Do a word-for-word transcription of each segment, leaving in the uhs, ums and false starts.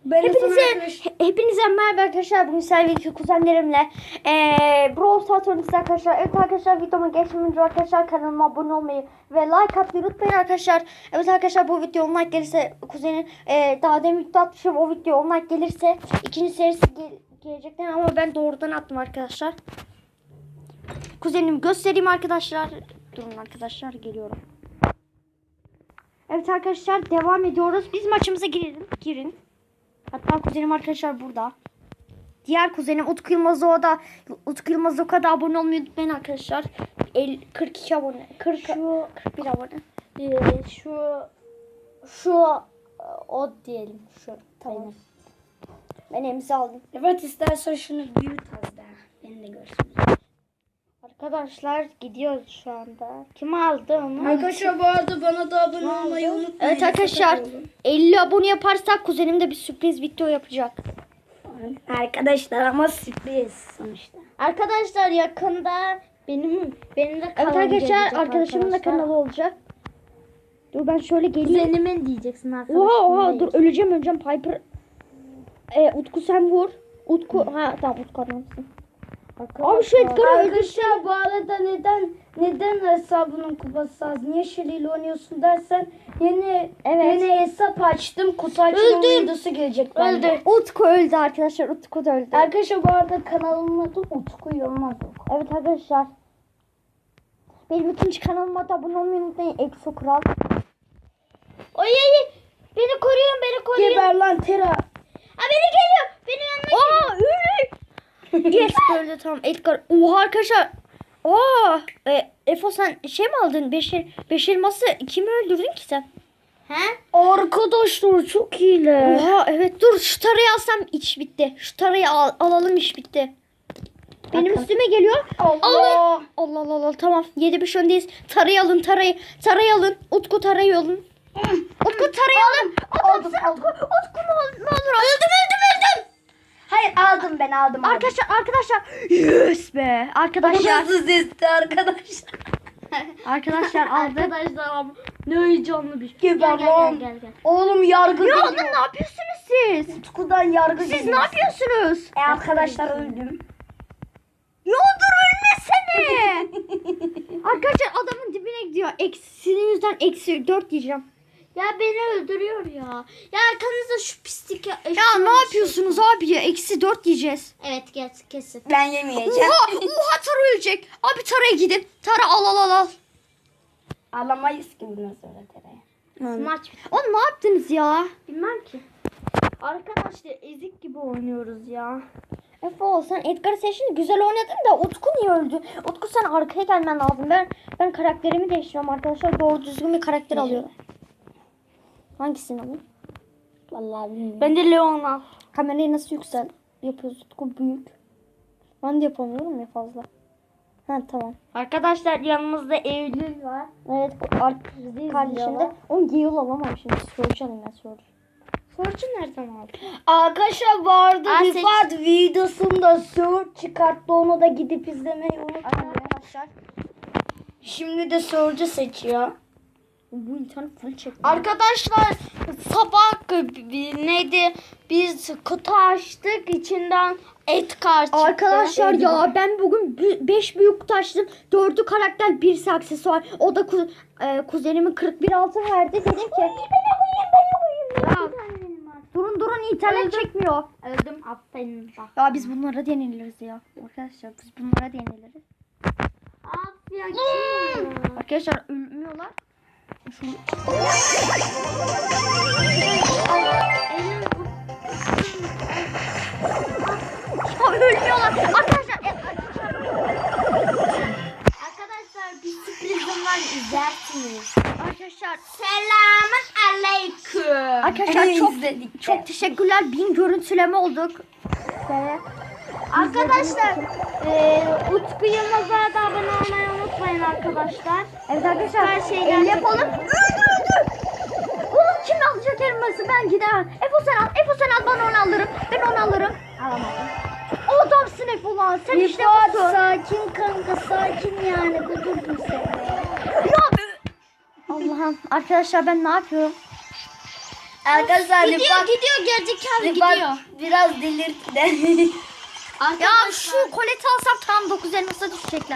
Ben Hepinize, he- hepinize merhaba arkadaşlar. Bugün sevgili kuzenlerimle ee, Brawl Stars oynuyoruz arkadaşlar. Evet arkadaşlar, videoma geçmeden önce arkadaşlar kanalıma abone olmayı ve like atmayı unutmayın arkadaşlar. Evet arkadaşlar, bu video on like gelirse kuzenin ee, daha demin video atmışım, o video on like gelirse ikinci serisi gel gelecekler ama ben doğrudan attım arkadaşlar. Kuzenimi göstereyim arkadaşlar. Durun arkadaşlar, geliyorum. Evet arkadaşlar, devam ediyoruz. Biz maçımıza girelim. Girin. Hatta kuzenim arkadaşlar burada. Diğer kuzenim Utku Yılmaz o da Utku Yılmaz o kadar abone olmayı unutmayın arkadaşlar. kırk iki abone. kırk, Şu kırk bir abone. e, şu şu o diyelim şu Tamam. Ben imza aldım. Evet, istersen şunu büyüt az daha. Beni de görsün. Arkadaşlar gidiyoruz şu anda. Kim aldı onu? Arkadaşlar bu arada bana da abone olmayı unutmayın. Evet arkadaşlar, elli abone yaparsak kuzenim de bir sürpriz video yapacak. Arkadaşlar ama sürpriz sonuçta. Arkadaşlar yakında Benim benim de evet kanalım arkadaşlar, gelecek arkadaşımın da arkadaşlar. kanalı olacak. Dur ben şöyle geleyim. Kuzenimin diyeceksin arkadaşlar. Oha oha, dur öleceğim öleceğim Piper. E, Utku sen vur. Utku ha tamam, Utku adamsın. Abi şu Edgar'ı öldürsün. Arkadaşlar bu arada neden neden hesabının kupası az? Niye Shelly ile oynuyorsun dersen yeni Evet. yeni hesap açtım. Kutu açma Öldüm. videosu gelecek bende. Öldü. Utku öldü arkadaşlar. Utku da öldü. Arkadaşlar bu arada kanalımın adı Utku Yılmaz. Evet arkadaşlar. Benim ikinci kanalıma da abone olmayı unutmayın. Exo Kral. Oy oy. Beni koruyun, beni koruyun. Geber lan Tera. Ha, beni geliyor. Benim yanıma geliyor. Aa öldü. Yes, öldü tamam. Edgar. Oha arkadaşlar. Aa, e, Efo sen şey mi aldın? Beş, el- beş elması kimi öldürdün ki sen? He? Arkadaşlar çok iyiler. Oha evet, dur şu tarayı alsam iş bitti. Şu tarayı al, alalım, iş bitti. Benim üstüme geliyor. Allah. Allah Allah Allah, Allah. Tamam, yedi beş öndeyiz. Tarayı alın, tarayı. Tarayı alın. Utku tarayı alın. Utku tarayı alın. Aldım, Utku, aldım. Utku, Utku ne olur, ne olur. Öldüm öldüm öldüm. Hayır aldım ben aldım. Arkadaşlar arkadaşlar. Yes be. Arkadaşlar. Nasıl sesti arkadaşlar? Arkadaşlar aldık. Arkadaşlar ne heyecanlı bir şey. Gel, Geber gel, lan. gel, gel, gel. Oğlum yargı Ya oğlum geliyor. ne yapıyorsunuz siz? Utku'dan yargı Siz geliyor. ne yapıyorsunuz? E arkadaşlar öldüm. Ya dur ölmesene. Arkadaşlar adamın dibine gidiyor. Eksi, sizin yüzden eksi dört diyeceğim. Ya beni öldürüyor ya. Ya arkanızda şu pislik ya. Ya ne yapıyorsunuz abi ya? Eksi dört diyeceğiz. Evet kes, kesin. Ben yemeyeceğim. Oha, oha Tara ölecek. Abi Tara'ya gidin. Tara al al al al. Ağlamayız ki bundan sonra Tera'ya. Maç. Oğlum ne yaptınız ya? Bilmem ki. Arkadaşlar ezik gibi oynuyoruz ya. Efo sen Edgar'ı seçtin, güzel oynadın da Utku niye öldü? Utku sen arkaya gelmen lazım. Ben ben karakterimi değiştiriyorum arkadaşlar. Doğru düzgün bir karakter alıyorum. Hangisini alayım? Vallahi bilmiyorum. Ben de Leon'a. Kamerayı nasıl yüksel yapıyoruz? Utku büyük. Ben de yapamıyorum ya fazla. Ha tamam. Arkadaşlar yanımızda Eylül var. Evet kardeşim de. Onu Gale alamam şimdi. Surge alayım ben Surge. Sorcu nereden aldın? Arkadaşlar vardı. Aa, Rifat videosunda Surge çıkarttı. Onu da gidip izlemeyi unutmayın. Arkadaşlar. Şimdi de Surge'u seçiyor. Bu internet full çekti. Arkadaşlar sabah bir- neydi? Biz kutu açtık, içinden Edgar çıktı. Arkadaşlar ya ben bugün beş büyük kutu açtım. dördü karakter, birisi aksesuar. O da ku- e, kuzenimin kırk bir altı verdi. Dedim ki ya, durun durun internet Öldüm. çekmiyor. Öldüm. Aferin bak. Ya biz bunlara deniliriz ya. Arkadaşlar biz bunlara deniliriz. Aferin. Kim? Arkadaşlar ölmüyorlar. Şu... Ya ölmüyorlar. Arkadaşlar e, Arkadaşlar bir sürprizim var, izlersiniz. arkadaşlar Selamun aleyküm. Arkadaşlar çok İzledik. çok teşekkürler. Bin görüntüleme olduk. Ve Arkadaşlar e, Utku Yılmaz'a da abone olmayı unutmayın arkadaşlar. evet arkadaşlar Her şey el gerçek. yapalım. Öldürdü. Oğlum kim alacak elması? Ben gider. Efo sen al. Efo sen al. Ben onu alırım. Ben onu alırım. Alamadım. O adamsın Efo lan. Sen işte Rifat busun. sakin kanka, sakin yani, kudurdum seni. Ya be- Allah'ım. Arkadaşlar ben ne yapıyorum? Arkadaşlar Gidiyor Rıfat, gidiyor gerizekalı Rıfat gidiyor. biraz delirtti de. Ya şu koleti alsam tam dokuz elmasa düşecekler.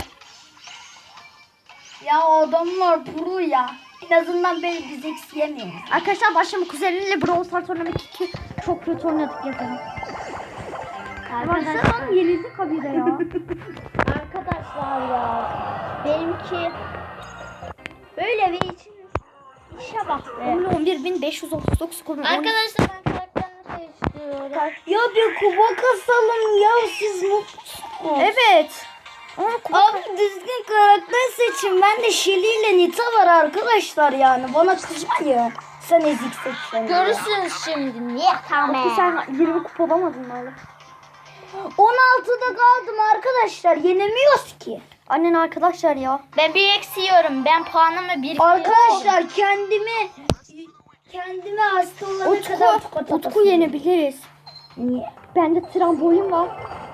Ya o adamlar pro ya. En azından beni biz eksiyemiyor. Arkadaşlar başlama kuzeniyle Brawl Stars oynamak iki çok kötü oynadık yazalım. Baksana yenildik kabile ya. Arkadaşlar ya. Benimki böyle bir için işe bak be. on bir bin beş yüz otuz dokuz kurum. Arkadaşlar ben karakterini seçiyorum. Ya bir kuba kasalım ya, siz mutlusunuz. Evet. Ama kupa- Abi düzgün karakter seçin. Ben de Shelly ile Nita var arkadaşlar yani. Bana kızmayın. Sen ezik seçsen. Görürsünüz şimdi. Niye tamam? Abi sen yirmi kupa olamadın mı oğlum? on altıda kaldım arkadaşlar. Yenemiyoruz ki. Annen arkadaşlar ya. Ben bir eksiyorum. Ben puanımı bir Arkadaşlar kendimi kendime hasta olana kadar Utku, tokat Utku atasın. yenebiliriz. Niye? Bende trambolin var.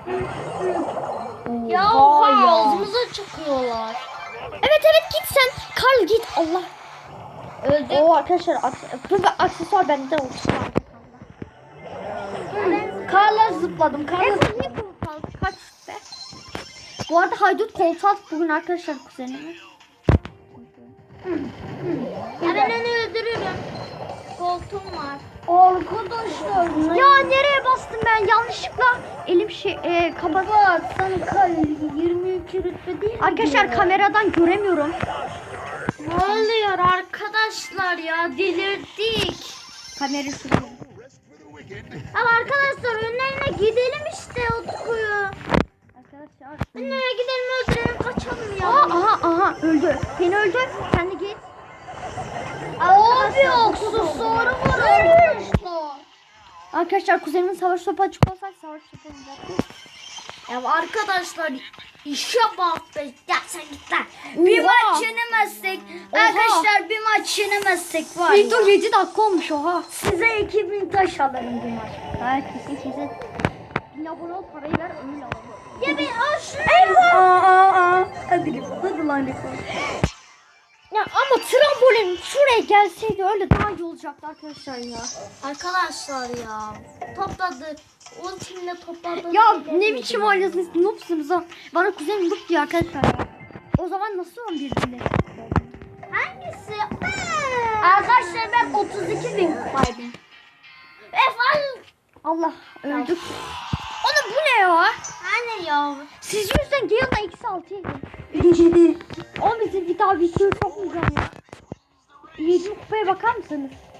Ya Oha oha ya. ağzımıza çıkıyorlar. Evet evet git sen. Karl git Allah. Öldü. Oo arkadaşlar aks- dur be, aksesuar bende olsun. Karla zıpladım. Karla Evet zıpladım. niye bu kaldı? Kaç be? Bu arada haydut koltuğa attık bugün arkadaşlar kuzenimi. Ya ben onu öldürürüm. Koltuğum var. Arkadaşlar. Ya nereye bastım ben yanlışlıkla elim şey e, kapat. Bak sen kal yirmi iki rütbe değil mi? Arkadaşlar diyor? kameradan göremiyorum. Ne oluyor arkadaşlar ya? Delirdik. Kamera şurada. Ama arkadaşlar önlerine gidelim işte Utku'yu. Arkadaşlar. Önlerine gidelim öldürelim kaçalım ya. Aa, aha aha öldü. Seni öldü. Sen de git. Abi aksesuarı var arkadaşlar. Arkadaşlar kuzenimin savaş topu açık olsaydı savaş topu oynayacaktı. Ya arkadaşlar işe bak be. Ya sen git lan. Bir Oha. maç yenemezsek Oha. arkadaşlar bir maç yenemezsek var ya. Video yedi dakika olmuş oha. Size iki bin taş alırım bir maç. Ha kesin kesin. Bin abone ol parayı ver öyle alalım. Ya ben al şunu. Aa aa aa. Hadi Rıfat, hadi lan Rıfat. Ya ama trambolin şuraya gelseydi öyle daha iyi olacaktı arkadaşlar ya. Arkadaşlar ya topladık. Ultimle topladık. Ya ne biçim oynuyorsunuz? Noobsunuz ha. Bana kuzenim noob diyor arkadaşlar ya. O zaman nasıl on bir binde? Hangisi? Arkadaşlar ben otuz iki bin kupaydım. Efendim. Allah öldük. Oğlum bu ne ya? Hani ya? Siz yüzden Gale'dan eksi altı yedi. O bizim bir daha videoyu sokmayacağım ya. yedi kupaya bakar mısınız?